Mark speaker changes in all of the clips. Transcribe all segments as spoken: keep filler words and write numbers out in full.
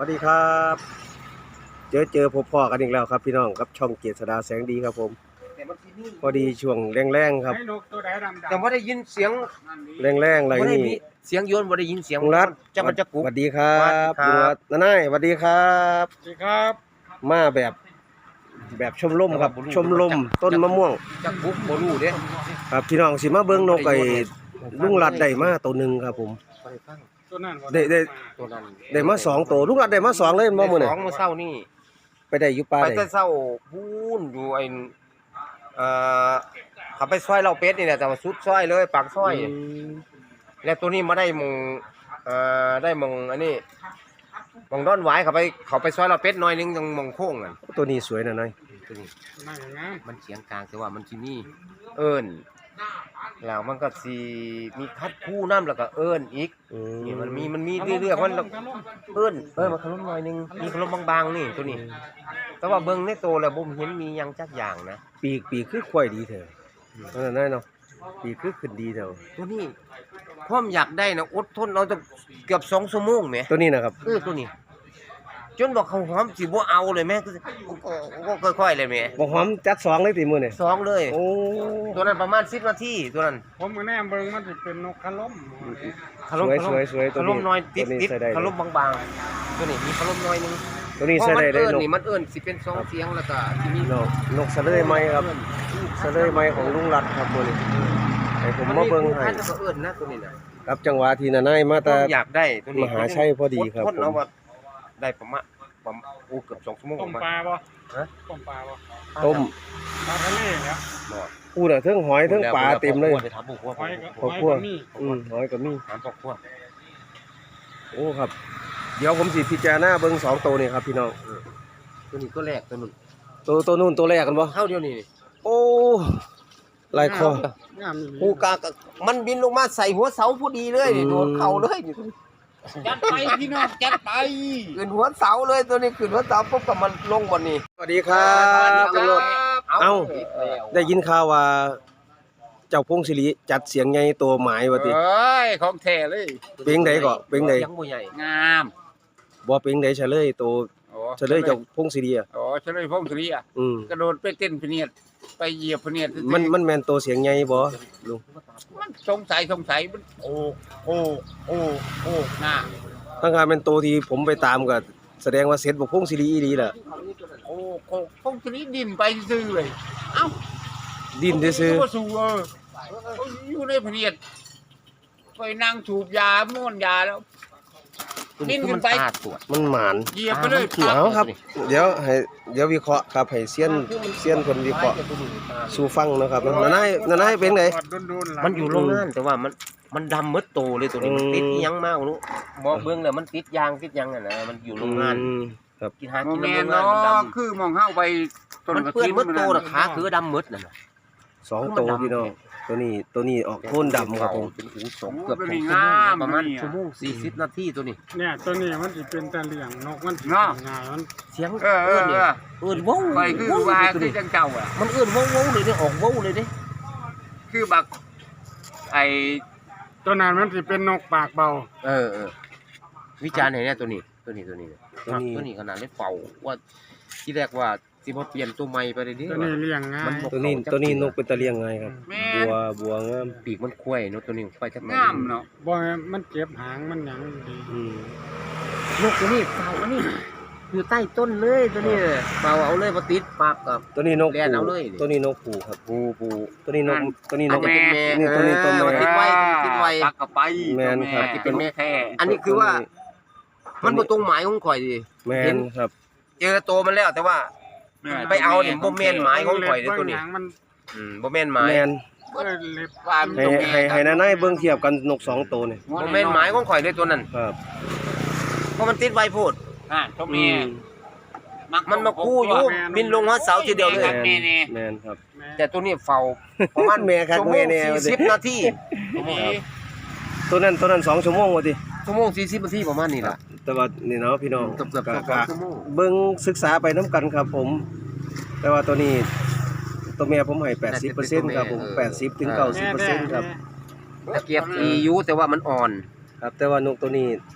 Speaker 1: วัสดีครับเจอเจอพบพ่อกันอีกแล้วครับพี่น้องครับช่องเกียรติสดาแสงดีครับผมพอดีช่วงแรงๆครับ
Speaker 2: แต่ว่าได้ยินเสียง
Speaker 1: แรงๆอะไร
Speaker 2: บ่ได้
Speaker 1: นี่
Speaker 2: มีเสียงโยนบ่ได้ยินเสียง
Speaker 1: ลุงรัฐ
Speaker 2: จะมันจะกุ
Speaker 1: ส
Speaker 2: ก
Speaker 1: วัสดีครับลุ
Speaker 2: สวัสดีครับ
Speaker 1: งรัฐน้าหน่ายสวัสดีครับ
Speaker 3: สวัสดีครับ
Speaker 1: มาแบบแบบชมรมครับชมรมต้นมะม่วง
Speaker 2: จะกุกบ่รู้เด้
Speaker 1: ครับพี่น้องสิมาเบิ่งนกไอ้ลุงรัฐได้มาตัวหนึงครับผม
Speaker 2: บ่ได้ฟัง
Speaker 3: ตัวนั้น
Speaker 1: ได้ได้
Speaker 2: ตัวนั้น
Speaker 1: ได้มาสองตัวลุงรัฐได้มาสองเลยบ่มื้อ
Speaker 2: ได้
Speaker 1: นี้
Speaker 2: สองมื้อเช้านี่
Speaker 1: ไปได้อยู่ป่า
Speaker 2: ไป
Speaker 1: ได้
Speaker 2: แต่เช้าพูนอยู่ไอ้เอ่อเขาไปซอยเหล้าเป็ดนี่แหละแต่ว่าสุดซอยเลยปากซอย
Speaker 1: อืม
Speaker 2: แล้วตัวนี้มาได้หมองเอ่อได้หมองอันนี้หมองด้อนหวายเขาไปเขาไปซอยเหล้าเป็ดหน่อยนึงตรงหมองโค้งนั่น
Speaker 1: ตัวนี้สวยนะนาย
Speaker 2: ตัวนี้
Speaker 3: นั่งงาม
Speaker 2: มันเสียงกลางแต่ว่ามันสิมีเอิ้นแล้วมันก็สิมีคัดคู่น้ำแล้วก็เอิ้นอีก
Speaker 1: อื
Speaker 2: นี่
Speaker 1: ม
Speaker 2: มันมีมันมีเรื่อยๆมันเอิ้นเอ้ยมันขลุ่มหน่อยนึงมีขลุ่มบางๆนี่ตัวนี้ แต่ว่าเบิ่งในโตแล้วบ่เห็นมีหยังจักอย่างนะ
Speaker 1: ปีกปีกคือควายดีเถอะนั่นน่ะนายเนาะปีกคือขึ้นดีเถอะ
Speaker 2: ตัวนี้พร้อมอยากได้นะอดทนเอาตั้งเกือบสองชั่วโมงแหม
Speaker 1: ตัวนี้นะครับ
Speaker 2: เออตัวนี้ จนบอกเขาหอมสิบ่เอาเลยแม่ก็ก็ค่อยๆเลยแม่
Speaker 1: บ่หอมจัดสองเลยติมื้อนี่
Speaker 2: สองเลย
Speaker 1: โอ้
Speaker 2: ตัวนั้นประมาณสิบนาทีตัวนั้น
Speaker 3: ผมก็แน่เบิ่งมันสิเป็นนกขล้ม
Speaker 2: ขลุ่ม
Speaker 1: สวยสวยๆตัว
Speaker 2: ข
Speaker 1: นี้
Speaker 2: ลุ่มน้อยติด
Speaker 1: ตัวนี้
Speaker 2: ติด
Speaker 1: ใส่ได้
Speaker 2: ขลุ่มบางๆตัวนี้มีขลุ่มน้อยนึง
Speaker 1: ตัวนี้
Speaker 2: เพราะ
Speaker 1: ใส่
Speaker 2: มัน
Speaker 1: ได้เลย
Speaker 2: เอิ้น
Speaker 1: นก
Speaker 2: นี่มันเอิ้นสิเป็นสองเสียงแล้วก็ที่มี
Speaker 1: นกนกสะเลไหมครับสะเลไหมของลุงรัฐครับมื้อนี้ให้ผมมาเบิ่งให้
Speaker 2: มันมีคู่พันธุ์แล้วก็เอิ้นนะตัวนี้นะครับ
Speaker 1: จังหวะที่นานายมา
Speaker 2: ผ
Speaker 1: แต่
Speaker 2: มอยากได้ตัวนี้
Speaker 1: มหาชัยพอดีครับ
Speaker 2: อดทนเอา
Speaker 1: ผม
Speaker 2: ว่าได้ประมาณประมาณโอ้เกือบสองชั่วโมง
Speaker 3: ต้ม
Speaker 2: ประ
Speaker 3: ป
Speaker 2: มาณ
Speaker 3: ลาบ่
Speaker 2: ฮะ
Speaker 3: ต้มปลาบ่
Speaker 1: ต้ม
Speaker 3: ปลาทะเลเนี่ย
Speaker 1: พูดน่ะเทั้งหอยเทั้งปลาเต็มเลย
Speaker 2: ไปถามพ่อครัว
Speaker 3: หอยก็
Speaker 1: พ่อ
Speaker 3: หอย
Speaker 1: ครัว
Speaker 3: ก็มี
Speaker 1: อืมหอยก็มี
Speaker 2: ถามพ่อครัว
Speaker 1: โอ้ครับ เดี๋ยวผมสิพิจารณาเบิ่งสองตัวนี่ครับพี่น้อง
Speaker 2: ตัวนี้ตัวแรกตัวนึง
Speaker 1: ตัวตัวนู้นตัวแรกกันบ่
Speaker 2: เท่าเดียวนี่
Speaker 1: โอ้ลายคอง
Speaker 3: ามอีหลี
Speaker 2: กูกากมันบินลงมาใส่หัวเสาพอดีเลยนี่
Speaker 1: อืม
Speaker 2: โดนเข่าเลยนี่
Speaker 3: จัดไปพี่น้องจัดไป
Speaker 2: ขึ้นหัวเสาเลยตัวนี้ขึ้นหัวเสาปุ๊บก็มันลงบนนี้
Speaker 1: สวัสดีครับตำรวจ เอ้า ได้ยินข่าวว่า เจ้าพงศิริจัดเสียงใหญ่ตัวหมายว่าติ
Speaker 3: เอ้ยของแท้เลย
Speaker 1: เพลงใดก็เพลงใด
Speaker 2: ยังบ่ใหญ่
Speaker 3: งาม
Speaker 1: บ่เพลงใดเฉลยตัว
Speaker 3: โอ้
Speaker 1: เฉลยเจ้าพงศิริอ่ะ
Speaker 3: โอ้เฉลยพงศรีอ่ะ
Speaker 1: อืม
Speaker 3: กระโดดไปเต้นพะเนียดไปเหยียบพะเนียด
Speaker 1: มันมันแม่นตัวเสียงใหญ่บ่ลุง
Speaker 3: มันสงสัยสงสัยมันโอ้โอ้โอ้โอ้หน้า
Speaker 1: ถ้างานเป็นตัวที่ผมไปตามก็แสดงว่าเสร็จบ่พงศิริอีหลีล่ะ
Speaker 3: โอ้โอ้พงศรีดินไปซื่อเลยเอ้า
Speaker 1: ดิ้นซื่อ
Speaker 3: ก็สูเออเขาอยู่ในพะเนียดไปนั่งสูบยาม่วนยาแล้ว ดิ้นขึ้นไป
Speaker 2: มัตาตรวจ
Speaker 1: ๆมันหมาน
Speaker 3: เหยียบไปเลย
Speaker 1: เอาครับ เดี๋ยวให้เดี๋ยววิเคราะห์ครับให้เซียนเซียนเพิ่นวิเคราะห์สู่ฟังนะครับนานายนานายเป็นไง
Speaker 2: มันอยู่โรงงานแต่ว่ามันมันดำหมดโตเลยตัวนี้มัน
Speaker 1: อืม
Speaker 2: ติดอิหยังมากรู้บ่เบิ่งแล้วมันติดยางติดหยังอ่ะนะมันอยู่โรงงาน
Speaker 1: อืมครับ
Speaker 2: กินหา
Speaker 3: โม
Speaker 2: กิน
Speaker 3: เม
Speaker 2: ใน
Speaker 3: น
Speaker 2: โรงงาน
Speaker 3: เนา
Speaker 2: มันด
Speaker 3: ะคือมองเข้าไป
Speaker 2: ำมันเปื้อนหมดโตน่ะขาคือดำหมดนั่นน่ะ
Speaker 1: สองตัวพี่น้องตัวนี้ตัวนี้ออกโทนดำครับผม
Speaker 2: เป็นหูสองเกือบสองชั่วโมงนะประมาณชั่วโมงสี่สิบนาทีตัวนี้
Speaker 3: เนี่ยตัวนี้มันสิเป็นตะเลียงนกมันง่ายมัน
Speaker 2: เสียง
Speaker 3: เออเอ
Speaker 2: เอื้
Speaker 3: อ
Speaker 2: อน
Speaker 3: เอ
Speaker 2: นี่
Speaker 3: อ
Speaker 2: เอื้อนว้าว
Speaker 3: ไปคือ
Speaker 2: ว้าว
Speaker 3: ว่า
Speaker 2: ตัว
Speaker 3: คือ
Speaker 2: นี้
Speaker 3: จังเจ้าอ่ะ
Speaker 2: มันเอื้อนว้าวว้าวเลยเด้ออกว้าวเลยเด้
Speaker 3: คือบักไอตัวนั้นมันสิเป็นนกปากเบา
Speaker 2: เออเออวิจารณ์ไหนเนี่ยตัวนี้ตัวนี้ตัวนี้เนี่ย
Speaker 1: ตัวนี้
Speaker 2: ตัวนี้ขนาดได้เป่าว่าที่แรกว่าสิบ่เปลี่ยนตัวใหม่ไปเลยดิ
Speaker 3: ตัวนี้เลี้ยงง่าย
Speaker 2: มันบอก
Speaker 1: ตัวนี้ตัวนี้นกเป็นตะเลียงไงครับ
Speaker 3: แม่
Speaker 1: บัวบัวงาม
Speaker 2: ปีกมันคุ้ยเนาะตัวนี้ไปจักหน่อย
Speaker 3: งามเนาะบ่มันเจ็บหางมันหยังดี
Speaker 1: อืม
Speaker 2: นกตัวนี้เป่าอันนี้อยู่ใต้ต้นเลยตัวนี้เป่าเอาเลยบ่ติดปากกับ
Speaker 1: ตัวนี้นก
Speaker 2: แล่นเอาเลยนี่
Speaker 1: ตัวนี้นกผูครับ
Speaker 2: ปูปู
Speaker 1: ตัวนี้นกตัวนี้น
Speaker 2: อาจ
Speaker 1: ก
Speaker 2: จะเป็นแม่
Speaker 1: นี่ตัวนี้ตัวแม่
Speaker 2: เออมันติดไว้ติดไว้
Speaker 3: ตักกับไป
Speaker 1: แม่นครับ
Speaker 3: ที่เป็นแม่แท้
Speaker 2: อันนี้คือว่า มันบ่ตรงหมายของข่อยดิ
Speaker 1: แมนครับ
Speaker 2: เจอตัวมันแล้วแต่ว่า ไปเอานี่บ่แม่นหมายของข่อยเด้อตัวนี้
Speaker 3: หางมัน
Speaker 2: อืมบ่แม่นหมาย
Speaker 1: แมน
Speaker 3: เอ้ยเล็บปลายมัน
Speaker 1: ให้
Speaker 3: ตรง
Speaker 1: ให้ให้นานายเบิ่งเทียบกันนกสองตัวนี่
Speaker 2: บ่แม่นหมายของข่อยเลยตัวนั้น
Speaker 1: ครับ
Speaker 2: เพราะมันติดไว้โพด
Speaker 3: อ่าตรง
Speaker 1: อื
Speaker 3: นี้
Speaker 1: ม
Speaker 2: มันมาคู่อยู่บินลงหัวเสาทีเดียวเลย
Speaker 1: แมนแมนครับ
Speaker 2: แต่ตัวนี้เฝ้าประมาณ
Speaker 1: แม่ครับ
Speaker 2: ชั่วโม
Speaker 1: แม่
Speaker 2: ง
Speaker 1: แน่
Speaker 2: สี่สิบนาที
Speaker 1: ตัวนั้นตัวนั้นสองชั่วโมงว่าติ
Speaker 2: ชั่วโมงสี่สิบนาทีประมาณนี้ล่ะ
Speaker 1: แต่ว่านี่เนาะพี่น้อง
Speaker 2: เกือบเกือบ
Speaker 1: ก็
Speaker 2: สอง
Speaker 1: ก็
Speaker 2: ชั่วโมง
Speaker 1: เบิ่งศึกษาไปน้ำกันครับผม แต่ว่าตัวนี้ตัวแม่ผมให้แปดสิบเปอร์เซ็นต์ครับผมแปดสิบถึงเก้าสิบเปอร์เซ็นต์ครับ
Speaker 2: ตะเกียบอีอยู่แต่ว่ามันอ่อน
Speaker 1: ครับ แต่ว่านกตัวนี้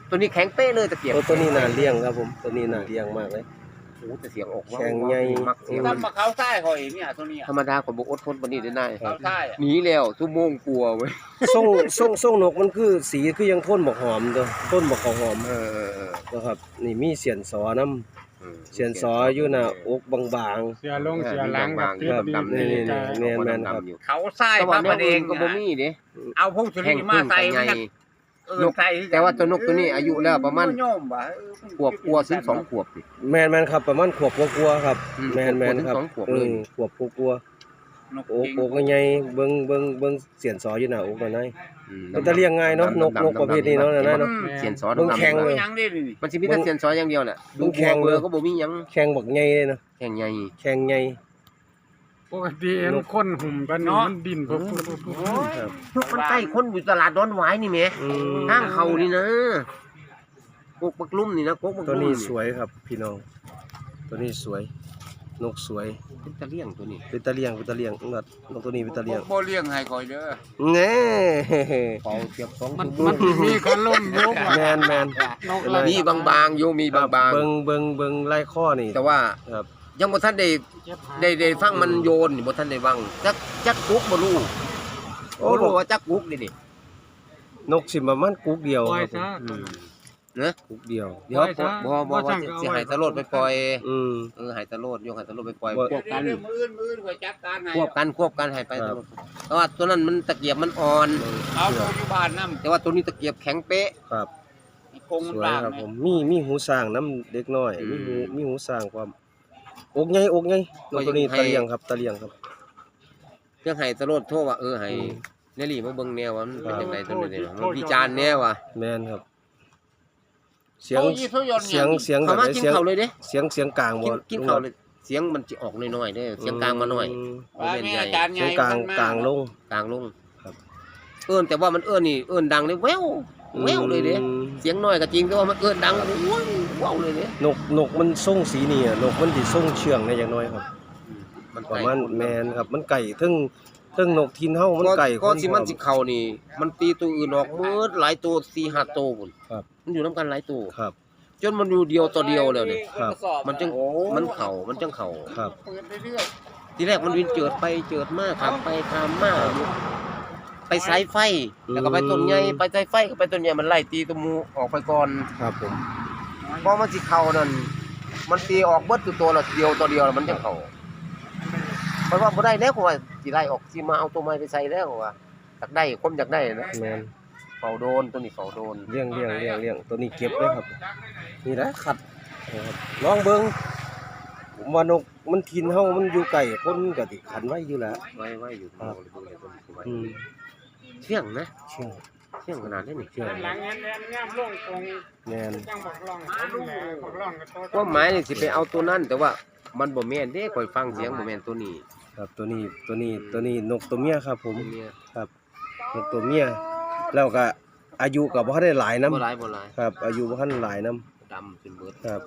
Speaker 2: ตัวนี้แข็งเป๊ะเลยตะเกียบ
Speaker 1: ตัวตัวนี้น่าเลี้ยงครับผมตัวนี้น่าเลี้ยงมากเลย
Speaker 2: โอ้แต่เสียงออกว่า
Speaker 1: แข็งใหญ่
Speaker 2: มักเสียง
Speaker 3: ตั้มมาเขาใต้หอยเนี่ยตัวเนี้ย
Speaker 2: ธรรมดาก็บ่อดทนปานนี้ได้นาย
Speaker 3: เขาใต้อะ
Speaker 2: หนีแล้วชั่วโมงกลัวเว้ย
Speaker 1: ส่งส่งส่งนกมันคือสีคือยังทนบักหอมเด้อทนบักข้าวหอม
Speaker 2: เออเออเออ
Speaker 1: นะครับนี่มีเสียนสอน้ำเสียนสออยู่หน้าอกบาง
Speaker 4: เสียลงเสียหลังกับ
Speaker 2: เรื่อง
Speaker 4: ดี
Speaker 2: ดำ
Speaker 4: ดี
Speaker 2: นี่
Speaker 4: ใจ
Speaker 1: แม่นแม่นครับ
Speaker 3: เขาใต้
Speaker 2: แต่
Speaker 3: พ
Speaker 2: ว่า
Speaker 3: ระ
Speaker 2: แน
Speaker 3: ป
Speaker 2: ว
Speaker 3: ระเด
Speaker 2: อื่
Speaker 3: ง
Speaker 2: นก็บ่มีเด้
Speaker 3: เอาพงศ
Speaker 2: แห่
Speaker 3: รี
Speaker 2: ง
Speaker 3: มา
Speaker 2: พึ่ง
Speaker 3: ใส่
Speaker 2: กับใหญ่
Speaker 3: เออใส่
Speaker 2: แต่ว่าตัวนกตัวนี้อายุแล้วประมาณ
Speaker 3: โยมบ่เออ
Speaker 2: ขวบกลัวถึงสองขวบสิ
Speaker 1: ๆแม่นแม่นครับประมาณขวบกลัวาๆครับ
Speaker 2: อืม
Speaker 1: แม่นแม่นครับ
Speaker 2: ขวบถึงสองขวบเลย
Speaker 1: อืมขวบกลัว
Speaker 3: นก
Speaker 1: ๆโอก
Speaker 3: จริง
Speaker 1: โอกใหญ่ๆเบิ่งเบิ่งเบิ่งเสียนสออยู่หน้าอกนั่นไง
Speaker 2: อืม
Speaker 1: มันจะเลี้ยงง่ายเนาะนกนกประเภทนี้เนาะนั่นเนาะ
Speaker 2: เสียนสอ
Speaker 1: เบิ่ง
Speaker 2: ดำๆ
Speaker 1: แข็งเลย
Speaker 3: ยังได้ดิ
Speaker 2: มันสิมีแต่เสียนสออย่างเดียวแหละ
Speaker 1: เบิ่งแข็ง
Speaker 2: เบ
Speaker 1: เล
Speaker 2: อย ร์ก็บ่มีหยัง
Speaker 1: แข่งบักใหญ่เลยเนาะ
Speaker 2: แข็งใหญ่
Speaker 1: แข่งใหญ่
Speaker 4: ปกติเห็นคนหุ่มกันนี่มันดินปุ๊บปุ๊บปุ๊บปุ๊บ
Speaker 1: ครับ
Speaker 2: ทุกมันใกล้คนอยู่ตลาดดอนหวายนี่แหม
Speaker 1: อืม
Speaker 2: ทางเขานี่นะกกบักลุ่มนี่นะกกบัก
Speaker 1: ตัว
Speaker 2: ลุ่ม
Speaker 1: นี้สวยครับพี่น้องตัวนี้สวย นกสวย
Speaker 2: เป็นตะเลี่ยงตัวนี้
Speaker 1: เป็นตะเลียงเป็นตะเลียงนกนกตัวนี้เป็นตะเลียง
Speaker 3: บ่เลี้ยงให้คอยเด้อ
Speaker 1: แน่
Speaker 2: เป่าเสียบสอง
Speaker 4: มัน
Speaker 2: ชั่วโ
Speaker 4: มันสิมีคนล่มยก
Speaker 1: แมนแมน
Speaker 4: นก
Speaker 1: เป็น
Speaker 4: อะไร
Speaker 1: ไร
Speaker 2: มีบางๆอยู่มีบาง
Speaker 1: เบิงเบิงเบิงไล่ข้อนี่
Speaker 2: ๆแต่ว่า
Speaker 1: ครับ
Speaker 2: ยังบ่ทันได้ได้ได้ฟังมันโยนนี่บ่ทันได้ฟังจักจักกุกบ่รู้
Speaker 1: โอ้
Speaker 2: บ่
Speaker 1: บ
Speaker 2: รู้
Speaker 1: อก
Speaker 2: ว่าจักกุกนี่นี่
Speaker 1: นกสิประมาณกุ๊กเดียว
Speaker 4: ปล่อย
Speaker 1: ครับ
Speaker 4: ซะ
Speaker 2: อืมนะ
Speaker 1: กุ๊กเดียว
Speaker 2: เดี๋ยวบ่บ่บ่ว่าสิให้ตะโลดไปปล่อย
Speaker 1: อืม
Speaker 2: เออให้ตะโลดยกให้ตะโลดไปปล่อย
Speaker 1: บ่
Speaker 2: ควบกัน
Speaker 3: เดี๋ยวมื้ออื่นมื้ออื่นคอยจัดการให้
Speaker 2: ควบกันควบกันให้ไป
Speaker 1: ครับ
Speaker 2: เพราะว่าตัวนั้นมันตะเกียบมันอ่อน
Speaker 3: เอาตัวอยู่บ้านนำ
Speaker 2: แต่ว่าตัวนี้ตะเกียบแข็งเป๊ะ
Speaker 1: ครับ
Speaker 3: คง
Speaker 1: ส
Speaker 3: มัน
Speaker 1: วย
Speaker 3: บาง
Speaker 1: ครับ
Speaker 3: นะ
Speaker 1: ผมมีมีหูสร้างน้ำเด็กน้อย
Speaker 2: อื
Speaker 1: มี
Speaker 2: ม
Speaker 1: หูมีหูสร้างความอกใหญ่อกใหญ่นกตัวนี้
Speaker 2: ให้
Speaker 1: ตะเลียงครับตะเลียงครับ
Speaker 2: เรื่องให้ตะโลดโทรว่าเออให้
Speaker 1: อืม
Speaker 2: เนลี่มาเบิ่งแนวว่ามันเป็นจังไดตัวนี้เนี่ย
Speaker 4: โท
Speaker 2: มัน
Speaker 4: ษ
Speaker 2: วิจารณ์แนวว่ะ
Speaker 1: แมนครับ เสียง
Speaker 3: โอ้ยี่โซยน
Speaker 1: เสียงเสียงแบ
Speaker 2: เขา
Speaker 1: บ
Speaker 2: มา
Speaker 1: ไหน
Speaker 2: กิน
Speaker 1: เสียง
Speaker 2: ข้าวเลยเด้
Speaker 1: เสียงเสียงกลางบ่
Speaker 2: กินกินข้าวเลยเสียงมันจะออกน้อยๆเด้เสียงกลางมาหน่อย
Speaker 1: ม
Speaker 2: บ่แม่นใหญ่
Speaker 3: อาจารย์ให
Speaker 1: เสี
Speaker 3: ญ่
Speaker 1: ยงกลางกลางลง
Speaker 2: กลางลง
Speaker 1: ครับ
Speaker 2: เอิ้นแต่ว่ามันเอิ้นนี่เอิ้นดังเลยแววแววเลยเด้
Speaker 1: อืม
Speaker 2: เสียงน้อยก็จริงแต่ว่ามันเอิ้นดังว้าวว้าวเลยเด้
Speaker 1: นกนกมันส่งสีนี่อะนกมันสิส่งเชื่องในอย่างน้อยครับ
Speaker 2: มัน
Speaker 1: ประมาณแมนครับมันไก่ทึ่งทึ่งนกทินเฮามันไก่
Speaker 2: ก็สิมัน
Speaker 1: พร้อ
Speaker 2: สิเข้านี่ มันตีตัวอื่นออกหมืดหลายตัวสี่ห้าตัวพุ่น
Speaker 1: ครับ
Speaker 2: มันอยู่นํกันหลายตัว
Speaker 1: ครับ
Speaker 2: จนมันอยู่เดียวต่อเดียวแล้วนี่
Speaker 1: ครับ
Speaker 2: มันจึงมันเข้ามันจังเข้า
Speaker 1: ครับ
Speaker 3: เปิดเรื่อย
Speaker 2: ทีแรกมันวินเจิดไปเจิดมาครับไปตามมาอยู่ไปสายไฟ แล้วก็ไปต้นใหญ่ไปสายไฟก็ไปต้นใหญ่มันไล่ตีตัวหมูออกไปก่อน
Speaker 1: ครับผม
Speaker 2: พอมันสิเข้านั่นมันตีออกเบิดตัวตัวละเดียวตัวเดียวแล้วมันจังเข้าเพราะว่าบ่ได้แล้วก็ว่าสิไล่ออกสิมาเอาตัวใหม่ไปใส่แล้วว่าอยากได้ความอยากได้นะ
Speaker 1: แมน
Speaker 2: เฝ้าโดนตัวนี้เฝ้าโดน
Speaker 1: เลี้ยงเลี้ยงเลี้ยงเลี้ยงตัวนี้เก็บเลยครับนี่แหละขัดนะครับลองเบิ่งผมว่านกมันทินเฮามันอยู่ไก่คนก็สิขันไว้อยู่แล้ว
Speaker 2: ไว้ไว้อยู่
Speaker 1: ครับ
Speaker 2: ตัวนี้ตัวนี้ไว้
Speaker 1: อืม
Speaker 2: เชี่ยงนะ
Speaker 1: เชื่อง
Speaker 2: เชี่ยงขนาดนี้นี่
Speaker 1: เชื่อง
Speaker 4: หลังนั้นแอนงามลงตรง
Speaker 1: แมน
Speaker 4: จังบักล่องคนแหละบักล่องก็โต
Speaker 2: ความหมายนี่สิไปเอาตัวนั้น แต่ว่ามันบ่แม่นเด้ข่อยฟังเสียงบ่แม่นตัวนี้
Speaker 1: ครับตัวนี้ตัวนี้ตัวนี้นกตัวเมียครับ ผม
Speaker 2: ตัวเมีย
Speaker 1: ครับนกตัวเมียแล้วก็อายุก็บ่ทันได้หลายนํ
Speaker 2: บ่หลายบ่หลาย
Speaker 1: ครับ อายุบ่ทันหลายนํ
Speaker 2: ดำจนเบิด
Speaker 1: ครับ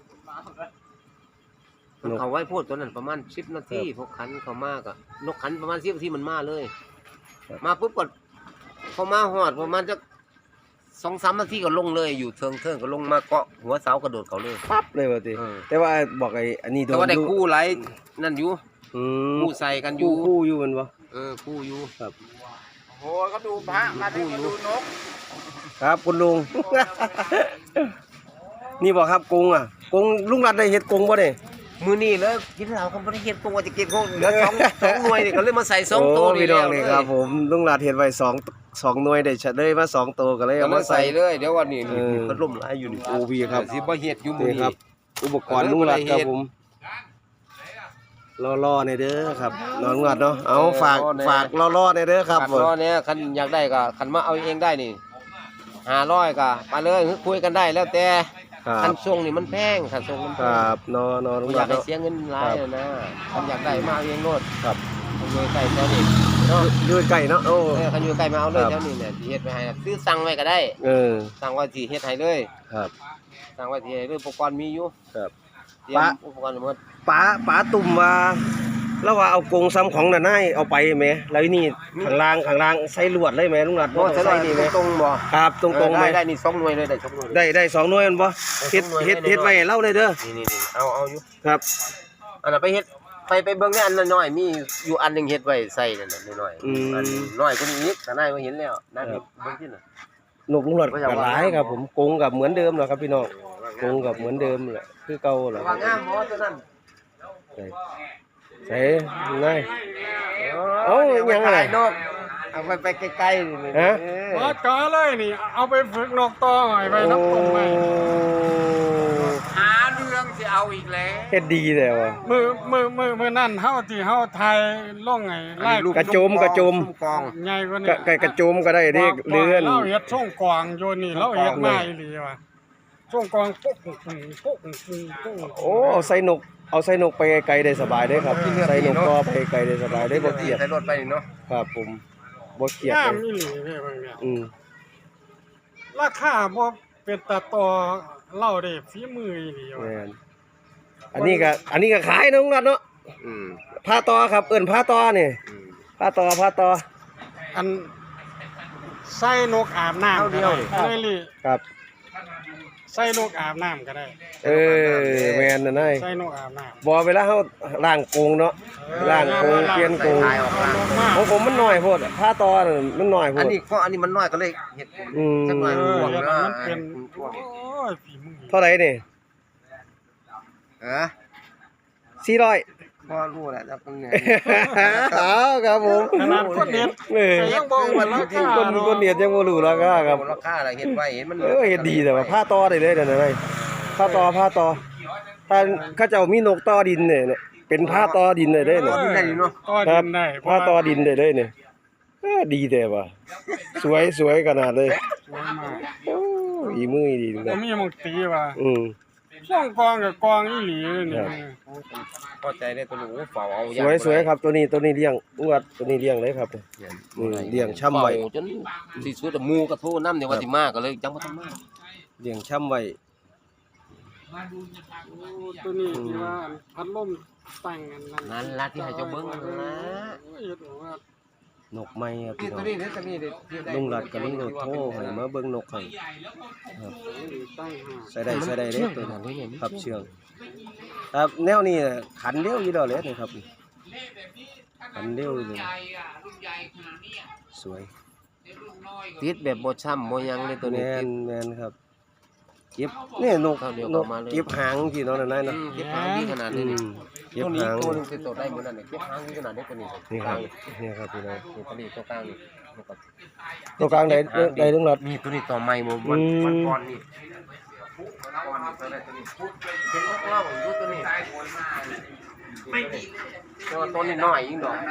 Speaker 2: มันเขาไว้พูดตัวนั้นประมาณสิบนาทีพวกขันเขามากอะนกขันประมาณสิบนาทีมันมาเลย
Speaker 1: ครับ
Speaker 2: มาปุ๊บก็เขามาหอดประมาณจะสองสามนาทีก็ลงเลยอยู่เทิงเทิงก็ลงมาเกาะหัวเสากระโดดเขาเลย
Speaker 1: ปั๊บเลยว่าติ
Speaker 2: เออ
Speaker 1: แต่ว่าบอกไอ้อันนี้โด
Speaker 2: แต่
Speaker 1: น
Speaker 2: ว่าได้
Speaker 1: อยู่
Speaker 2: คู่ไรนั่นอยู่
Speaker 1: อืม
Speaker 2: คู่ใส่กันอยู่
Speaker 1: คู่คู่อยู่แมันบ่
Speaker 2: เออคู่อยู่
Speaker 1: ครับ
Speaker 3: ๆโอ้ก็ดูพระมาได้ก็ดูนก
Speaker 1: ครับคุณลุง นี่บ่ครับกงอ่ะกงลุงรัดได้เฮ็ดกงบ่เด้
Speaker 2: มือนี่แล้วกินเหล้าเขาไม่ได้เห็นตัวจะกินเขาเหลือสองสองหน่วยนี่ก็เลยมาใส่สองตัว
Speaker 1: โพี่น้องนี่ครับ
Speaker 2: เลย
Speaker 1: ผมลุงรัดเฮ็ดไว้สองสองหน่วยได้เฉลยมาสองตัวก็เลย
Speaker 2: ก็
Speaker 1: เอา
Speaker 2: มา
Speaker 1: มา
Speaker 2: ใส่
Speaker 1: ใส่
Speaker 2: เลยเดี๋ยววันนี้นี่
Speaker 1: เออ
Speaker 2: พัดลมหลายอยู่นี่
Speaker 1: โอ้พี่ครับ
Speaker 2: สิบ่เฮ็ดอยู่มื้อ
Speaker 1: นี่
Speaker 2: นี้
Speaker 1: ครับ อุปกรณ์ลุงรัดครับผมล่อๆในเด้อครับนอนลุงรัดเนาะเอาฝากฝากล่อๆในเด้อครับ
Speaker 2: ขันรอเนี่ยคันอยากได้ก็คันมาเอาเองได้นี่ห้าร้อยก็มาเลยคุยกันได้แล้วแต่
Speaker 1: ครั
Speaker 2: คั
Speaker 1: บ
Speaker 2: นส่งนี่มันแพงคันส่งมัน
Speaker 1: ค
Speaker 2: แพ
Speaker 1: รั
Speaker 2: ง
Speaker 1: บนอนอนลุ
Speaker 2: บ่
Speaker 1: ง
Speaker 2: อ
Speaker 1: รั
Speaker 2: ยา
Speaker 1: ด
Speaker 2: กให้
Speaker 1: เนาะ
Speaker 2: เสียเงินหลายอะนะคันอยากได้มาเอาเองโลด
Speaker 1: ครับ
Speaker 2: คันอยู่ใกล้แถวนี้เนาะ
Speaker 1: อยู่ใกล้เนาะโอ้
Speaker 2: เออคันอยู่ใกล้มาเอาเลย
Speaker 1: ครับ
Speaker 2: แถวนี้เนี่ยสิเฮ็ดไว้ให้ซื้อสั่งไว้ก็ได้
Speaker 1: เออ
Speaker 2: สั่งไว้สิเฮ็ดให้เลย
Speaker 1: ครับ
Speaker 2: สั่งไว้สิให้เลยอุปกรณ์มีอยู่
Speaker 1: ครับ
Speaker 2: เตรียม
Speaker 1: ปะ
Speaker 2: อุปกรณ์หมด
Speaker 1: ป๋าป๋าตุ่มว่าแล้วว่าเอากรงซ้ำของน่ะนายเอาไปแหมแล้วนี่ข้างล่างข้างล่างใส่ลวดเลยแหมลุงหลัด
Speaker 2: โอ้
Speaker 1: บ่
Speaker 2: ใช่
Speaker 1: ใส่นี่แหม
Speaker 2: ตรงบ่
Speaker 1: ครับตรงๆ
Speaker 2: ได้
Speaker 1: ไหม
Speaker 2: ได้นี่สองหน่วยเลยได้สองหน่วยเลย
Speaker 1: ได้ได้สองหน่วยแม่นบ่เฮ็ดเฮ็ดเฮ็ดไว้ให้เราเลยเด้อ
Speaker 2: นี่นี่ๆเอาเอาอยู่
Speaker 1: ครับ
Speaker 2: อันนั้นไปเฮ็ดไปไปเบิ่งในอันน้อยๆมีอยู่อันหนึงเฮ็ดไว้ใส่นั่นน่ะน้อยๆ
Speaker 1: อืม
Speaker 2: อันน้อยกว่านี้อีกแต่นายบ่เห็นแล้วนายไปเบิ่งที่น่ะ
Speaker 1: นกลุงหลัดก็หลายครับผมกรงกับเหมือนเดิมแหละครับพี่น้องกรงกับเหมือนเดิมแหละคือเก่าแหละ
Speaker 2: ว่างามบ่ตัวนั้น
Speaker 1: ใส่ใส่นาย เอ้ายังไง
Speaker 2: ถ่ายนกเอาไปไปไกลๆนี่
Speaker 1: ฮะ
Speaker 2: เออ
Speaker 4: ว่าจ๋าเลยนี่เอาไปฝึกนกต่อหอยไปน้ำตรงไป
Speaker 3: หาเรื่องสิเอาอีกแล้ว
Speaker 1: เฮ็ดดีแต่ว่า
Speaker 4: มือมือมือมือนั่นเฮาที่เฮาไทยล่องไงไล่
Speaker 1: กระโจมกระโจม
Speaker 2: กอง
Speaker 4: ใหญ่กว่านี้
Speaker 1: กะกะกระโจมก็ได้เด้เลื่อน
Speaker 4: เราเฮ็ดช่องกวางอยู่นี่เราเฮ็ดมาอีหลีว่ะช่องกวางปุ๊กปุ๊กปุ๊กปุ๊กปุ๊ก
Speaker 1: โอ้เอาใส่นกเอาใส่นกไปไกลๆได้สบายเด้ครับใส่นกก็ไปไกลได้สบายได้บ่เกลียด
Speaker 2: ใส่รถไปนี่เนาะ
Speaker 1: ครับผมบ่เกลียด
Speaker 4: งา
Speaker 1: เล
Speaker 4: ม
Speaker 1: ย
Speaker 4: อีหลีเด้เบิ่งเนี่ย
Speaker 1: อืม
Speaker 4: ราคาบ่เป็นตาต่อเล่าได้ฝีมืออีหลีว่ะ
Speaker 1: แม่นอันนี้ก็อันนี้ก็ขายนะลุงหลัดเนาะ
Speaker 2: อืม
Speaker 1: ผ้าตอครับเอิ้นผ้าตอนี่
Speaker 2: อืม
Speaker 1: ผ้าตอผ้าตอ
Speaker 4: อันใส่นกอาบน้ำก็ได้เลยลิ
Speaker 1: ครับ
Speaker 4: ใส่นกอาบน้ำก็ได้
Speaker 1: เออแม่นน่ะนาย
Speaker 4: ใส่นกอาบน้ำ
Speaker 1: บ่เวลาเฮาล้างกรงเนาะล้างกรงเปลี่ยนกรง
Speaker 2: ถ่ายออกมา
Speaker 1: ของผมมันน้อยโพดผ้าตอน่ะมันน้อยโพ
Speaker 2: อัน
Speaker 1: ด
Speaker 2: นี้ก็อันนี้มันน้อยก็เลยเฮ็ด
Speaker 1: อืม
Speaker 2: จักหน่อย
Speaker 4: เอ
Speaker 2: มัน
Speaker 4: อ
Speaker 2: ห่วง
Speaker 4: แล้ว
Speaker 2: เนาะ
Speaker 4: มันเป็น
Speaker 2: ห่วง
Speaker 4: โอ้ยฝีมือ
Speaker 1: เท่าไหร่นี่
Speaker 2: เออ
Speaker 1: สี่ร้อย
Speaker 2: พอรู้แหละแล้วมันเนี่ย
Speaker 1: เอาครับผม
Speaker 4: ขนาดคนเน็ต
Speaker 1: เออ
Speaker 4: แต่ยังบอกว่าราคา
Speaker 1: คน
Speaker 4: เนาะ
Speaker 1: คนเนียดยังบ่รู้ราคาครับ
Speaker 2: ราคาอะไรเฮ็ดไว้เห็นมัน
Speaker 1: เออเฮ็ดดีแต่ว่าผ้าตอได้เลยนั่นน่ะนายผ้าตอผ้าตอถ้าเขาเจ้ามีนกต่อดินเนี่ยเนี่ยเป็นผ้าตอดินเลยเด้เนี่ย
Speaker 2: ดินได้อยู่เนาะ
Speaker 4: ต่อ
Speaker 1: ค
Speaker 4: ดิ
Speaker 1: รับ
Speaker 4: นได้
Speaker 1: ผ้าตอดินได้เลยเนี่ยเออดีแต่ว่าสวยสวยขนาดเลย
Speaker 4: สวยมาก
Speaker 1: โอ้อีมือดี
Speaker 4: บ่
Speaker 1: นะ
Speaker 4: มีหมองตีว่า
Speaker 1: อืม
Speaker 4: ช่องกองกับกองอีหลีนี่
Speaker 1: ครับ
Speaker 2: พอใจได้ตัวหนูเฝ้าเอา
Speaker 1: สวยสวยครับตัวนี้ตัวนี้เลี้ยงอวดตัวนี้เลี้ยงเลยครับอืมเลี้ยงช่ำไว้
Speaker 2: เฝ้าจนสิสุดหมู่ก็โทรนำเนี่ยว่าสิมาก็เลยจังบ่ทันมา
Speaker 1: เลี้ยงช่ำไว้
Speaker 4: โอ้ตัวนี้ที่ว่าพัดลมตั้งอันนั้น
Speaker 2: นั่นล่ะที่ให้เจ้าเบิ่งนั่นล่ะ
Speaker 4: โอ้ยเฮ็ดว่าน
Speaker 1: กไม้ครับ
Speaker 2: นี่
Speaker 1: พี่น้
Speaker 2: ตั
Speaker 1: อ
Speaker 2: ว
Speaker 1: ง
Speaker 2: นี้นี่ตัวนี้เด้
Speaker 1: ลุงรัดกับลุงโดดโทรให้มาเบิ่งนกให้ครับ
Speaker 4: ตั้งหา
Speaker 1: ใส่ได้ใส่ได้เด้ตัวนั้นครับเชื่องครับแนวนี้น่ะขันเร็วอยู่แล้วเลยนี่ครับขันเร็วเลยสวย
Speaker 2: ติดแบบบ่ช้ำบ่หยังเลยตัว
Speaker 1: แม
Speaker 2: นี้ติ
Speaker 1: น
Speaker 2: ด
Speaker 1: แมนครับเก็บนี่นก
Speaker 2: เข้าเดียวน
Speaker 1: ก
Speaker 2: เข้ามาเลย
Speaker 1: เก็บหางที่น้องนั่นน่ะ
Speaker 2: อื
Speaker 1: นะ
Speaker 2: มเก็บหางดีขนาด
Speaker 1: อื
Speaker 2: นี้นี่
Speaker 1: มเก็บ
Speaker 2: ตัวนี้
Speaker 1: หาง
Speaker 2: ตัวหนึงสิโตได้เหมือนนั่นนี่เก็บหางดีขนาดนี้ตัวนี้
Speaker 1: นี่ครับนี่ครับพี่น้อง
Speaker 2: นี่ตัวนี้ตัวกลางนี่แล้วก็
Speaker 1: ตัวกลางได้ได้ลุงรัด
Speaker 2: นี่ตัวนี้ต่อใหม่บ่วัน
Speaker 1: อืม
Speaker 2: วันก่อนนี่ก่อนนี่ตัวนี้ตัวนี้เป็นของเราอยู่ตัวนี้ตัวตัวนี้น้อยยิ่งดอก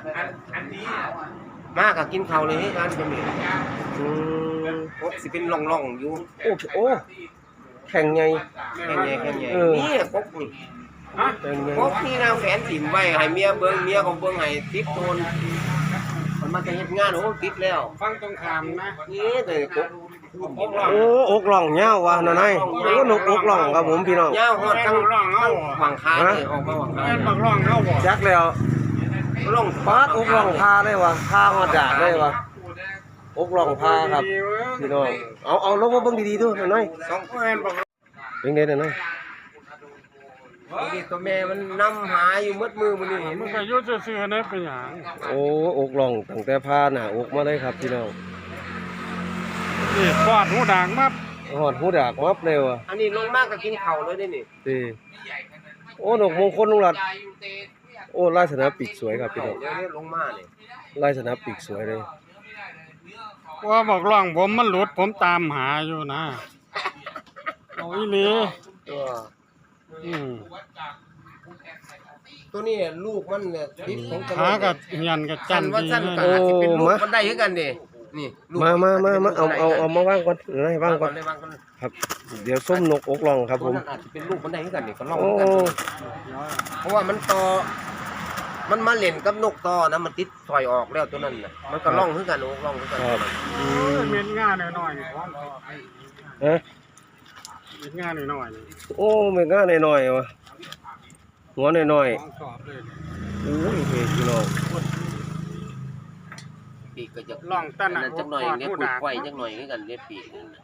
Speaker 2: มาก็กินข้าวเลยให้กันตัวนี้
Speaker 1: อืม
Speaker 2: โอ้สิเป็นร่องๆอยู่
Speaker 1: โอ้โอ้แข่งไง
Speaker 2: แค่ใหญ่แค่ใหญ่
Speaker 1: เออ
Speaker 2: นี่กบนี่
Speaker 1: แข่งไง
Speaker 2: กบนี่นางแฟนถิ่มไว้ให้เมียเบิ่งเมียก็เบิ่งให้ติดโตนมันมาจะเฮ็ดงานโอ้ติดแล้ว
Speaker 4: ฟังตรงขามนะ
Speaker 2: นี่แต่กบ
Speaker 1: โอ้อกหล่องเงาวว่ะน้านายโอ้นกอกหล่องครับผมพี่น้อง
Speaker 2: ยาวฮอดทั้งทั้งหวังคานี่ออกมาหวังคา
Speaker 4: แม่นบักร้องเฮาบ่
Speaker 1: จักแล้ว
Speaker 2: ล่อง
Speaker 1: ปาดอกหล่องพาได้วะพาฮอดดากได้วะอกหล่องพาครับพี่น้องเอาเอาลงมาเบิ่งดีๆดูหน่อย
Speaker 2: สอง
Speaker 4: แม่นบัก
Speaker 1: ๆเป็นไงหน่อย
Speaker 2: นี่ตัวแม่มันนำหาอยู่มืดมือมันนี่
Speaker 4: มันก็อยู่ซื่อๆนะเป็นหยัง
Speaker 1: โอ้อกหล่องตั้งแต่พาหน้าอกมาเลยครับพี่น้อง
Speaker 4: นี่กอดหูด่างมา
Speaker 1: ฮอดหูดากมับเลยว่ะ
Speaker 2: อันนี้ลงมากก็กินข้าวเลยได้นี่
Speaker 1: ติโอ้นกมงคลลุงรัดโอ้ลายสนามปีกสวยครับพี่น้อง
Speaker 2: เดี๋ยวนี้ลงมานี่
Speaker 1: ลายสนามปีกสวยเลย
Speaker 4: ว่าบักร้องผมมันหลุดผมตามหาอยู่นะเอาอีหลี
Speaker 2: ตัว
Speaker 4: อืม
Speaker 2: ตัวนี้ลูกมันเนี่ยติดของตะ
Speaker 4: ขากับเฮียนกับจั
Speaker 2: สั้
Speaker 4: น
Speaker 2: นว่า
Speaker 4: ดี
Speaker 2: สั้น
Speaker 4: เลย
Speaker 2: ก็อาจสิเป็นลูกมันได้คือกันนี่นี่ลูก
Speaker 1: มามามามาเอาเอาเอามาวางก่อนเดี๋ยวให้วางก่อน
Speaker 2: เลยวางก่อน
Speaker 1: ครับ เดี๋ยวส้มนกอกหล่องครับผม
Speaker 2: ตัวนั้นอาจจะเป็นลูกมันได้คือกันนี่ก็ลอง
Speaker 1: โอ้
Speaker 2: กันเพราะว่ามันต่อมันมาเล่นกับนกต่อนะมันติดถอยออกแล้วตัวนั้นน่ะมันก็ล่องคือกันโอ้ล่องคือกัน
Speaker 1: ครับ
Speaker 4: เออเม็ดง่าหน่อยๆนี่พร้อม
Speaker 1: ฮะ
Speaker 4: เม็ดง่าหน่อยๆนี่
Speaker 1: โอ้ไม่ง่ายหน่อยๆว่ะหัวน้อย
Speaker 4: ของชอบเลย
Speaker 1: ๆโอ้ยเฮ้ยพี่น้อง
Speaker 2: ปีกก็จะ
Speaker 4: ล่องตั้น
Speaker 2: อัน
Speaker 4: น่ะ
Speaker 2: นั้นจักหน่อย
Speaker 4: ฮอด
Speaker 2: เนี่ย
Speaker 4: ผู้
Speaker 2: คุย
Speaker 4: ดา
Speaker 2: ไข่จักหน่อยคือกันเด้ปีกนั่นน่ะ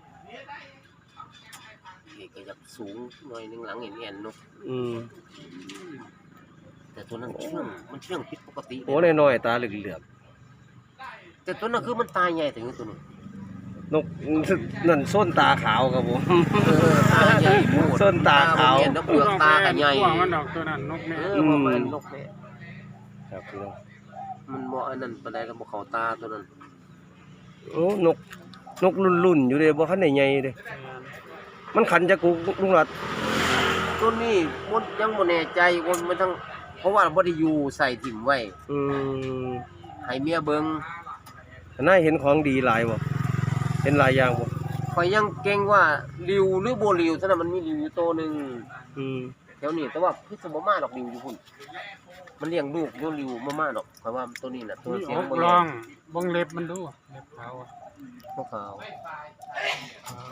Speaker 2: ปีกก็จะสูงหน่อยหนึงหลังเห็นๆเนาะ
Speaker 1: อืม
Speaker 2: แต่ตัวนั้นเชื่องมันเชื่องผิดปกติ
Speaker 1: หัวน้อยๆตาเหลือก
Speaker 2: แต่ตัวนั้นคือมันตายใหญ่ถึงตัวนึง
Speaker 1: ๆนกนั่นส้นตาขาวครับผม
Speaker 2: เออตาใหญ่โพด
Speaker 1: ส้นตาขาว
Speaker 2: เห็นแล้วเปลือกตาก็ใหญ่
Speaker 4: พวกมันดอกตัวนั้นนกเนี่ย
Speaker 2: เออบ่แม่นนกแม่
Speaker 1: ครับพี่น้อง
Speaker 2: มันบ่อันนั้นปานใดก็บ่เข้าตาตัวนั้น
Speaker 1: โอ้นกนกรุ่นๆอยู่เด้บ่คันได้ใหญ่เด้มันขันจักกุกลุงรัด
Speaker 2: ตัวนี้บ่ยังบ่แน่ใจว่ามันทั้งเพราะว่าบ่ได้อยู่ใส่ถิ่มไว้
Speaker 1: อืม
Speaker 2: ให้เมียเบิ่ง
Speaker 1: น่าเห็นของดีหลายบ่เห็นหลายอย่างบ่
Speaker 2: ข่อยยังเก่งว่าริวหรือบ่ริวซั่นน่ะมันมีริวอยู่ตัวหนึง
Speaker 1: อืม
Speaker 2: แถวนี้แต่ว่าคือสิบ่มาดอกริวอยู่พุ่นมันเลี้ยงลูกอยู่ริวบ่มาดอกข่อยว่าตัวนี้น่ะตัว
Speaker 4: มี
Speaker 2: เสีย
Speaker 4: อง ก
Speaker 2: บ่
Speaker 4: ล
Speaker 2: แย่
Speaker 4: องเบิ่งเล็บมันดูเล็บขาวอะ
Speaker 2: บ่ขาว
Speaker 4: ขาว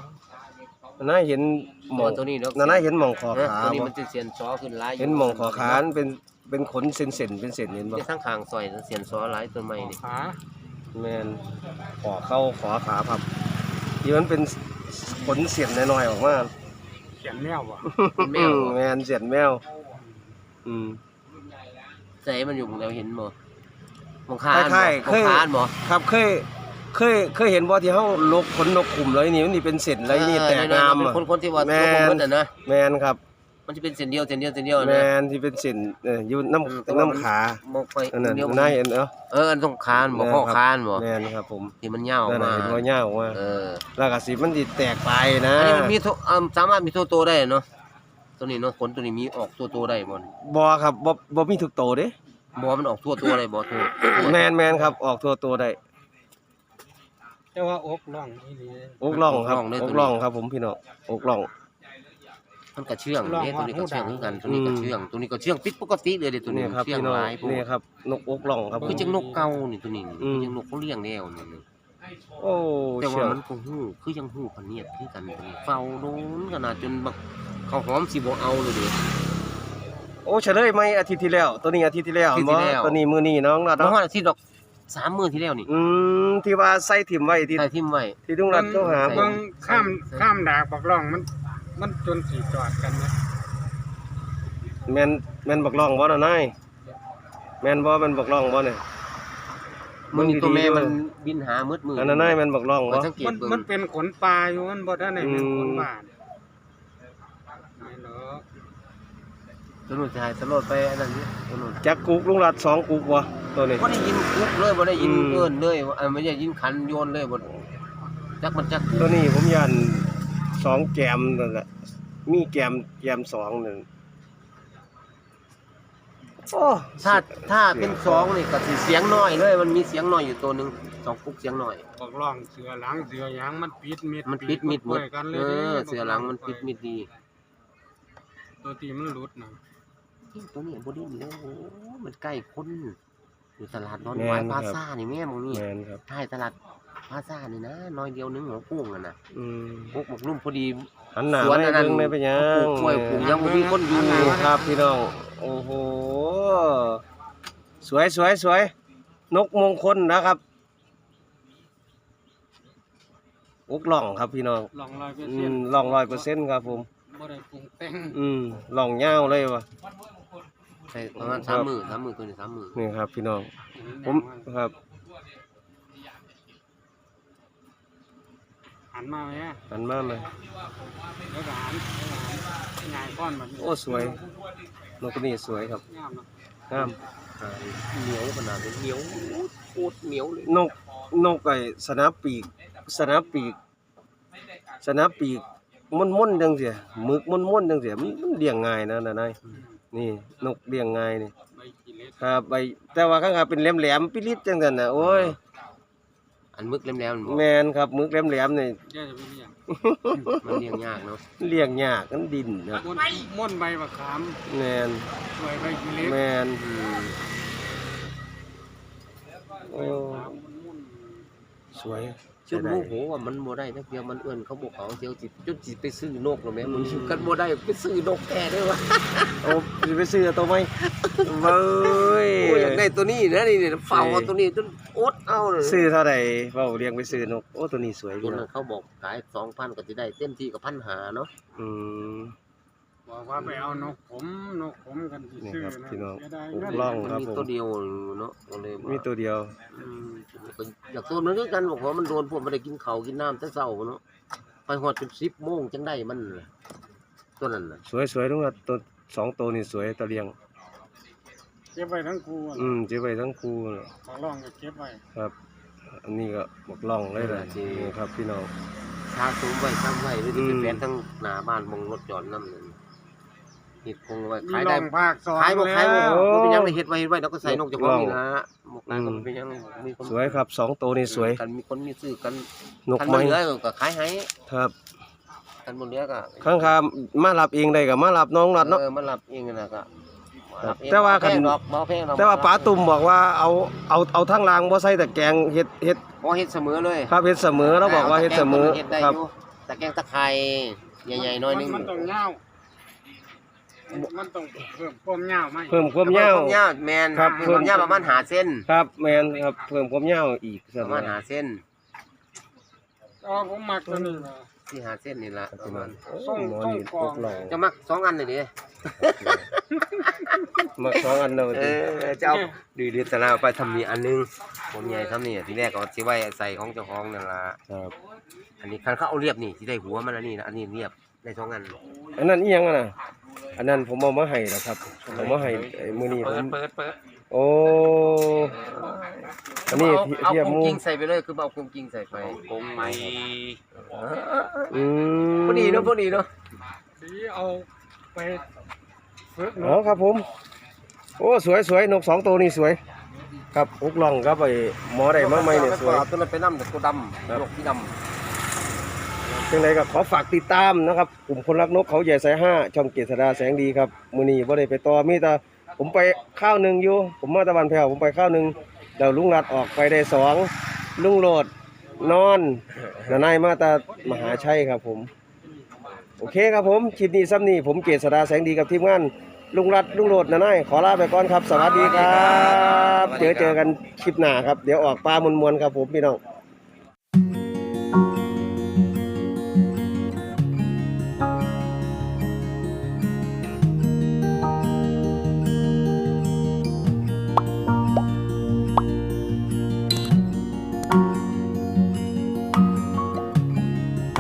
Speaker 1: น่าเห็นหม
Speaker 2: ตั
Speaker 1: อ
Speaker 2: ว
Speaker 1: ง
Speaker 2: ตัวนี้ดอก
Speaker 1: น่าเห็นหมองขอ
Speaker 2: เออ
Speaker 1: ขา
Speaker 2: ตัวนี้
Speaker 1: บ่
Speaker 2: มันสิเสียนซอขึ้นหลายอยู่
Speaker 1: เห็นหมองขอขามันเป็นเป็นขนเส้นๆเป็นเส้นเห็นบ่
Speaker 2: ที่ทั้งข้างซอยเสียนซอหลายตัวใหม่นี่
Speaker 4: ขา
Speaker 1: แม่นขอเข้าขอขาพับที่มันเป็นขนเสียนน้อยๆออกมา
Speaker 4: เขียนแมวบ่
Speaker 2: เป็นแมว
Speaker 1: อืแม่นเสียนแมว อืม
Speaker 2: ใจมันอยู่หม้องแล้วเห็นบ่หมองคาน
Speaker 1: ค
Speaker 2: บ่
Speaker 1: ล้าย
Speaker 2: ห
Speaker 1: ๆ
Speaker 2: ม
Speaker 1: เค
Speaker 2: อง
Speaker 1: ย
Speaker 2: คานบ่
Speaker 1: ครับเคยเคยเคยเห็นบ่ที่เฮาลกขนนกขุมเลยนี่มันนี่เป็นเส้นเลยนี่แตกงาม
Speaker 2: เป็น
Speaker 1: อะ
Speaker 2: คนคนที่ว่า
Speaker 1: แม่
Speaker 2: ตัว
Speaker 1: น
Speaker 2: บ่หมดน่ะนะ
Speaker 1: แม่นครับ
Speaker 2: มันจะเป็นเส้นเดียวเส้นเดียวเส้นเดียว
Speaker 1: แม่
Speaker 2: นะ
Speaker 1: นที่เป็นเส้นเอ่ออยู่น้
Speaker 2: อืมแต่
Speaker 1: ำ
Speaker 2: ว่ามัน
Speaker 1: น้ำขา
Speaker 2: บ่ค่อย
Speaker 1: อันนั้น
Speaker 2: เดียว
Speaker 1: น่าเห็นเนาะ
Speaker 2: เอออันตรงคานบ่
Speaker 1: แม่น
Speaker 2: ข้อ
Speaker 1: ครับ
Speaker 2: คานบ่
Speaker 1: แม่นครับผม
Speaker 2: ที่มันยาวออ
Speaker 1: นั่
Speaker 2: ก
Speaker 1: นน่ะ
Speaker 2: มา
Speaker 1: เห็นบ่ยาวออกมา
Speaker 2: เออ
Speaker 1: แล้วก็สิมันสิแตกไปนะ
Speaker 2: อันนี้มันมีโทอ่าสามารถมีโทโตได้เนาะตัวนี้เนาะขนตัวนี้มีออกตัวโตได้บ่
Speaker 1: บ่ครับบ่บ่มีทุกโตเด้
Speaker 2: บ่ว่ามันออกทั่วตัวได้บ่ทั่ว
Speaker 1: แม่นแม่นครับออกทั่วตัวได้
Speaker 4: แต่ว่าอกล่องอีหลี
Speaker 1: อกล่องครับอกล่องครับผมพี่น้องอกล่อง
Speaker 2: มันก็เชื่องเด้ตัวนี้ก็เชื่องคือกันตัวนี้ก็เชื่องตัวนี้ก็เชื่องผิดปกติเลยเด้ตัวนี้
Speaker 1: นี่ครับ
Speaker 2: เชื่อง
Speaker 1: พี่น้อง
Speaker 2: หลายพวก
Speaker 1: นี่ครับนกอกล่องครับผ
Speaker 2: คือ
Speaker 1: ม
Speaker 2: จังนกเก่านี่ตัวนี้
Speaker 1: อืม
Speaker 2: คือจังนกเขาเลี้ยงแล้วนี่
Speaker 1: โอ้
Speaker 2: แต่
Speaker 1: เชื่
Speaker 2: ว่า
Speaker 1: อง
Speaker 2: มันก็ฮู้คือยังฮู้พะเนียดคือกันตัวนี้เฝ้าโดนขนาดจนแบบเขาหอมสิบ่เอาเลยเด้
Speaker 1: โอ้เฉลยไหมอาทิตย์ที่แล้ว ตัวนี้อาทิตย์ที่แล้ว
Speaker 2: อาทิตย์ที่
Speaker 1: บ่
Speaker 2: แล้ว
Speaker 1: ตัวนี้มื้อนี้น้องรัด
Speaker 2: มา
Speaker 1: เนาะ
Speaker 2: ฮอดอาทิตย์ดอกสามมื้อที่แล้วนี่
Speaker 1: อืมที่ว่าใส่ถิ่มไว้ที่
Speaker 2: ใส่ทิ่มไว้
Speaker 1: ที่ลุงรัดโทรหา
Speaker 2: ใส่
Speaker 1: ผ
Speaker 4: เบิ่
Speaker 1: ม
Speaker 4: งข้ามข้ามดากบักล่องมัน มันจนสิจอดกันนะ
Speaker 1: แม่นแม่นบักล่องบ่น่ะนายแม่นบ่แม่นบักล่องบ่เนี่ย
Speaker 2: มื้อนี้ตัวแม่มัน
Speaker 1: ดี
Speaker 2: บินหามืดมื
Speaker 1: ๆ
Speaker 2: ด
Speaker 1: อันนั้นนายแม่นบักล่อง
Speaker 2: ข้
Speaker 1: บ่
Speaker 2: อยสังเกต
Speaker 4: มัน
Speaker 2: เบิ่ง
Speaker 4: มันเป็นขนปลาอยู่มันบ่ทันได้เป็นขนบ้านไม่หรอก
Speaker 2: ตัวนู้นถ่ายสโลดไปอันนั้นนี่ตัวนู้น
Speaker 1: จักกุกลุงรัดสองกุกบ่ตัวนี้
Speaker 2: บ่ได้ยินคุกเลยบ่ได้ยิน
Speaker 1: อืม
Speaker 2: เอิ้นเลยว่าเอ่อไม่ได้ยินขันโยนเลยบ่จักมันจัก
Speaker 1: ตัวนี้ผมยันสองแกมนั่นแหละมีแกมแกมสองนั่นโอ้
Speaker 2: ถ้าถ้าเป็นสองนี่ก็สิเสียงน้อยเลย มันมีเสียงน้อยอยู่ตัวหนึงสองคุกเสียงน้อย
Speaker 4: บักล่องเสือหลังเสือหยังมันปิดมิด
Speaker 2: มันปิดมิดหมด
Speaker 4: กัน
Speaker 2: เอ
Speaker 4: เลย
Speaker 2: อเสือหลังมันปิดมิดดี
Speaker 4: ตัวที่มันหลุดน่ะ
Speaker 2: ตัวนี้บ่ได้แล้วโอ้มันใกล้คนอยู่ตลาดนอนหวายพลาซ่านี่แม่มึงนี่
Speaker 1: แม่นครับ
Speaker 2: ท้ายตลาดพลาซ่านี่นะน้อยเดียวนึงหัวกุ้งอ่ะนะ
Speaker 1: อืม
Speaker 2: พวกหมกลุ่มพอดี
Speaker 1: หันหน้า
Speaker 2: สวน
Speaker 1: ไม่
Speaker 2: อันนั้น
Speaker 1: เบิ่งได้ไปหยั
Speaker 2: ปลู
Speaker 1: ง
Speaker 2: กกล้วยปลูกหยังบ่มีคนอยู่
Speaker 1: นี่ครับพี่น้องโอ้โหสวยสวยสวยนกมงคลนะครับอกล่องครับพี่น้อง
Speaker 4: ล่องร้อยเปอร์
Speaker 1: อื
Speaker 4: เซ็น
Speaker 1: ม
Speaker 4: ต์
Speaker 1: ล่องร้อยเปอร์เซ็นต์ครับผม
Speaker 4: บ่ได้ปรุงแต่ง
Speaker 1: อืมล่องยาวเลยวะ
Speaker 2: ใช่ประมาณสามมื้อสามมื้อตัวนี้สามมื้อ
Speaker 1: นี่ครับพี่น้องผมครับ
Speaker 4: หันมาไหมอะ
Speaker 1: หันมาไหม
Speaker 4: แล้วก็หันแล้วก็หันง่ายก้อนแบบนี้
Speaker 1: โอ้สวยนกตัวนี้สวยครับ
Speaker 4: งามเนาะ
Speaker 1: งาม
Speaker 2: เหนียวขนาดนี้เหนียวโคตรเหนียวเลย
Speaker 1: นกนกไอ้สนับปีกสนับปีกสนับปีกม่นๆจังเสียหมึกม่นๆจังเสียมันมันเลี้ยงง่ายนะนะนายนี่นกเลี้ยงง่ายนี่
Speaker 4: ใบกิเลส
Speaker 1: ครับใบแต่ว่าข้างๆเป็นแหลมๆปิลิดจังซั่นน่ะโอ้ย
Speaker 2: อันมึกแหลมๆมันบ่
Speaker 1: แม่นครับหมึกแหลมๆนี่
Speaker 4: แย่จะไปเลี้ยง
Speaker 2: มันเลี้ยงยากเนาะ
Speaker 1: เลี้ยงยากมันดินครับ
Speaker 4: ม่วนม่วนใบมะขาม
Speaker 1: แม่น
Speaker 4: สวยใบกิเลส
Speaker 1: แม่น
Speaker 2: อืม
Speaker 1: โอ้
Speaker 4: ขามม่วน
Speaker 1: สวยเฉ
Speaker 2: จนโมโหว่ามันบ่ได้จักเที่ยมันเอื้อนเขาบ่เขาเที่ยวสิจนสิไปซื้อนกแล้วแม่มึงกันบ่ได้ไปซื้อนกแท้เด้อวะ
Speaker 1: โอ้สิไปซื้อตัวใหม่เบ้ย
Speaker 2: โอ้ยอยากได้ตัวนี้นะนี่ๆเฝ้าเอาตัวนี้จนอดเอาเลย
Speaker 1: ซื้อเท่าใดเว้าเลี้ยงไปซื้อนกโอ้ตัวนี้สวย
Speaker 2: ตั
Speaker 1: พี่
Speaker 2: ว
Speaker 1: น้
Speaker 2: นั้
Speaker 1: อง
Speaker 2: นเขาบอกขาย สองพัน ก็สิได้เต็มที่ก็พันห้าเนาะ
Speaker 1: อืม
Speaker 4: บอกว่าไปเอานกผมนกผมกันสิ
Speaker 1: นี่
Speaker 4: ซื้อ
Speaker 1: ครับ
Speaker 4: นะ
Speaker 1: พี่น้อง
Speaker 4: เสียดาย
Speaker 1: ผม
Speaker 4: เงิน
Speaker 1: ลอง
Speaker 2: มัน
Speaker 1: ครับ
Speaker 2: มี
Speaker 1: ผม
Speaker 2: ตัวเดียวเนาะก็เลย
Speaker 1: มีตัวเดียว
Speaker 2: อืมก็อยากตัวนั้นคือกันบอกว่ามันโดนพวกบ่ได้กินข้าวกินน้ำแต่เช้าเนาะไปฮอดจนสิบโมงจังได้มันน่ะตัวนั้นน่ะ
Speaker 1: สวยๆลุงรัดตัวสองตัวนี่สวยตะเลียง
Speaker 4: เก็บไว้ทั้งคู่อะ
Speaker 1: อืมเก็บไว้ทั้งคู่น่ะ
Speaker 4: ของร่องก็เก็บไว้
Speaker 1: ครับ อันนี้ก็บอกล่องเลยแหละนี่ครับพี่น้อง
Speaker 2: ชาสูงไว้ทำไว้หรือที่
Speaker 1: อื
Speaker 2: เป็น
Speaker 1: ม
Speaker 2: แฟนทั้งหน้าบ้านมองรถจอดนำนั่นนี่คงไว้
Speaker 4: มี
Speaker 2: ขาย
Speaker 4: ร่
Speaker 2: ได้
Speaker 4: องภาคสอง
Speaker 2: ขายบ่ขายบ่
Speaker 4: แล้ว
Speaker 2: บ่เป็นหยังได้เฮ็ดไว้เฮ็ดไว้แล้วก็ใส่นกเจ้าของนี่ล่ะหมกนั้นก็บ่เป็นหยังมีคน
Speaker 1: สวยครับสองตัวนี่สวย
Speaker 2: กันมีคนมีซื้อกัน
Speaker 1: นก
Speaker 2: คัน
Speaker 1: ไม้
Speaker 2: บ่เหลือก็ขายให้
Speaker 1: ครับ
Speaker 2: คันบ่เหลือก็
Speaker 1: ข้างคามารับเองได้ก็มารับน้องรัดเนาะ
Speaker 2: เออมันรับเองนั่นน่ะก็
Speaker 1: ครับ
Speaker 2: รับเอง
Speaker 1: แต่ว่าคัน
Speaker 2: บ่พงดอกบ่แพงดอก
Speaker 1: แต่ว่าป๋าตุ่มบอกว่าเอาเอาเอาทั้งรางบ่ใส่แต่แกงเฮ็ดเฮ็ด
Speaker 2: บ่เฮ็ดเสมอเลย
Speaker 1: ครับเฮ็ดเสมอแล้วบอกว่าเฮ็ดเสมอ
Speaker 2: เฮ็ดได้
Speaker 1: ครับ
Speaker 2: อยู่ตะแกงตะไคร้ใหญ่ๆหน่อยหนึง
Speaker 4: มันต้องยาวมันต้องเพิ่มความยาวไหม
Speaker 1: เพิ่มความยาว
Speaker 2: เพิ่มยาวแม่น
Speaker 1: ครับ
Speaker 2: เพิ่มความยาวประมาณห้าเซน
Speaker 1: ครับแม่นครับเพิ่มความยาวอีก
Speaker 2: ป
Speaker 1: สัก
Speaker 2: ระ
Speaker 1: หน่
Speaker 2: มา
Speaker 1: อ
Speaker 2: ณ
Speaker 1: ย
Speaker 2: ห้าเซน
Speaker 4: อ๋อผมมักตัวนี้นะ
Speaker 2: ที่ห้าเซนนี่ล่ะประมาณ
Speaker 1: โอ้หมอนี่พวกเรา
Speaker 2: จะมักสองอันเลยดิ
Speaker 1: มาสองอันเนาะ
Speaker 2: เออจะเอาดื้อๆตะลาไปทำนี่อันหนึงผมใหญ่ทำนี่ทีแรกก็สิไว้ใส่ของเจ้าของนั่นล่ะ
Speaker 1: ครับ
Speaker 2: อันนี้คันเขาเอาเรียบนี่สิได้หัวมันอันนี้นะอันนี้เรียบได้สองอัน
Speaker 1: อันนั้นอีหยังอะน่ะอันนั้นผมเอามาให้แล้วครับเอามาให้ไอ้มื้อนี้ผม
Speaker 3: เปิดเปิด
Speaker 1: โอ้อันนี้
Speaker 2: เอาเอา
Speaker 1: เทียบ
Speaker 2: กง
Speaker 1: หมู
Speaker 2: กิ้งใส่ไปเลยคือเอากงกิ้งใส่ไป
Speaker 3: กงไหม
Speaker 1: อืม
Speaker 2: พอดีเนาะพอดีเนาะ
Speaker 4: สีเอาไปฝึกน
Speaker 1: อ๋อก ครับผม โอ้สวยสวยนกสองตัวนี่สวย ครับอุกล่องครับไอ้หมอได้มาใหม่เนี่ยสวย
Speaker 2: ตัวนั้นไปนำแต่ตัวดำ
Speaker 1: ครับ
Speaker 2: นกที่ดำ
Speaker 1: จังไดก็ขอฝากติดตามนะครับกลุ่มคนรักนกเขาใหญ่สายห้าช่องเกษดาแสงดีครับมื้อนี้บ่ได้ไปต่อมีแต่ผมไปข้าวหนึงอยู่ ผมมาตะวันแผ่วผมไปข้าวหนึงแล้วลุงรัดออกไปได้สองลุงโหลดนอนนานายมาตามหาชัยครับผม โอเคครับผมคลิปนี้ซ้ำนี้ผมเกษดาแสงดีกับทีมงานลุงรัดลุงโหลดนานายขอลาไปก่อนครับ สวัสดีครับ เจอเจอกันคลิปหน้าครับเดี๋ยวออกปลามวนๆครับผมพี่น้อง